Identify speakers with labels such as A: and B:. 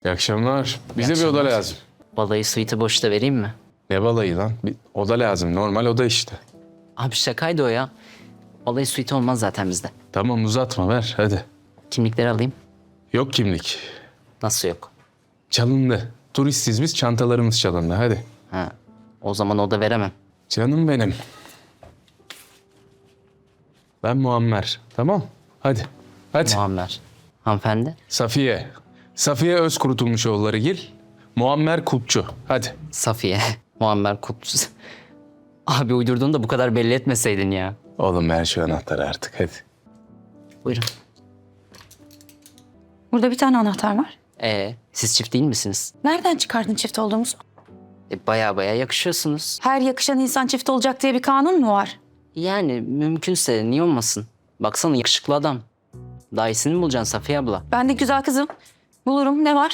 A: İyi akşamlar. Bize
B: İyi
A: bir oda
B: akşamlar.
A: lazım.
B: Balayı suite'i boşta vereyim mi?
A: Ne balayı lan? Bir oda lazım. Normal oda işte.
B: Abi şakaydı o ya. Balayı suite olmaz zaten bizde.
A: Tamam uzatma ver hadi.
B: Kimlikleri alayım.
A: Yok kimlik.
B: Nasıl yok?
A: Çalındı. Turistiz biz, çantalarımız çalındı hadi.
B: Ha. O zaman oda veremem.
A: Canım benim. Ben Muammer. Tamam. Hadi. Hadi.
B: Muammer. Hanımefendi.
A: Safiye. Safiye Özkurutulmuşoğulları Muammer Kutçu. Hadi.
B: Safiye. Muammer Kutlu. Abi uydurduğunu da bu kadar belli etmeseydin ya.
A: Oğlum ver şu anahtarı artık hadi.
B: Buyurun.
C: Burada bir tane anahtar var.
B: Siz çift değil misiniz?
C: Nereden çıkardın çift olduğumuzu?
B: Baya baya yakışıyorsunuz.
C: Her yakışan insan çift olacak diye bir kanun mu var?
B: Yani mümkünse niye olmasın? Baksana yakışıklı adam. Daha iyisini mi bulacaksın Safiye abla?
C: Ben de güzel kızım. Bulurum. Ne var?